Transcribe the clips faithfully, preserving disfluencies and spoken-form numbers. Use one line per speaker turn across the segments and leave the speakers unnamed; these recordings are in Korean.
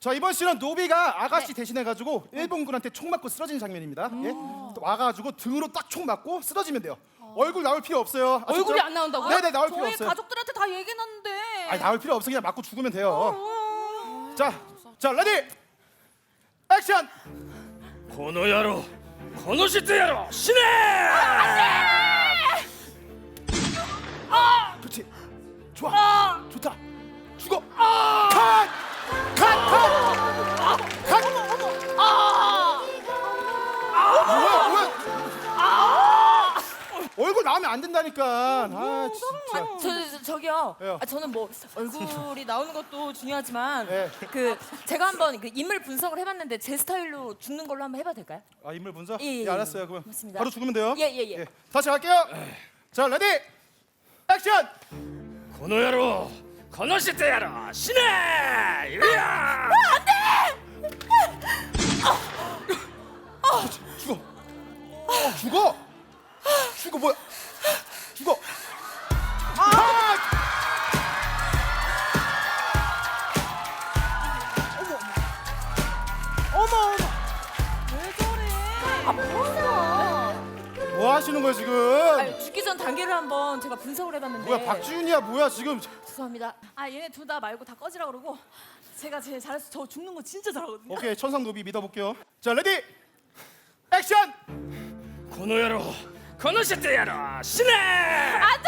자, 이번 씬은 노비가 아가씨 대신해가지고 일본군한테 총 맞고 쓰러진 장면입니다. 예? 또 와가지고 등으로 딱 총 맞고 쓰러지면 돼요. 얼굴 나올 필요 없어요. 아셨죠?
얼굴이 안 나온다고요?
네네, 나올 필요
저희
없어요.
가족들한테 다 얘기했는데.
아니, 나올 필요 없어. 그냥 맞고 죽으면 돼요. 자, 자, 레디, 액션.
この野郎この人野郎死ねー
그렇지. 좋아. 좋다. 죽어. 컷! 컷! 컷! 컷! 뭐야, 뭐야? 얼굴 나오면 안 된다니까. 아, 진짜.
저, 저 저기요.
왜요?
아, 저는 뭐 얼굴이 나오는 것도 중요하지만
네.
그 제가 한번 그 인물 분석을 해봤는데 제 스타일로 죽는 걸로 한번 해봐도 될까요?
아, 인물 분석?
예, 예,
예,
예.
알았어요. 그럼
맞습니다.
바로 죽으면 돼요.
예, 예, 예.
다시 갈게요. 자, 레디, 액션.
この野郎この人野郎死ねーいや
죽어. 죽어. 죽어 뭐야? 죽어. 아!
어머 어머. 왜 저래? 아 뭐야?
뭐 하시는 거예요 지금?
아니, 죽기 전 단계를 한번 제가 분석을 해봤는데.
뭐야, 박지윤이야 뭐야 지금?
죄송합니다. 아 얘네 둘 다 말고 다 꺼지라 그러고 제가 제일 잘해서 저 죽는 거 진짜 잘하거든요.
오케이, 천상 노비 믿어볼게요. 자, 레디, 액션.
この野郎この人野郎死ねー
안돼!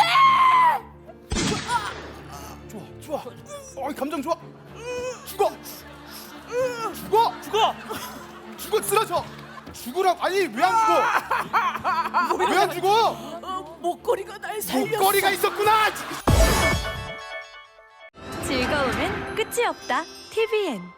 좋아, 좋아. 어, 감정 좋아. 죽어. 죽어. 죽어. 죽어, 쓰러져. 죽으라고. 아니, 왜 안 죽어? 왜 안 죽어?
어, 목걸이가 날 살렸어.
목걸이가 있었구나.
즐거움은 끝이 없다. 티비엔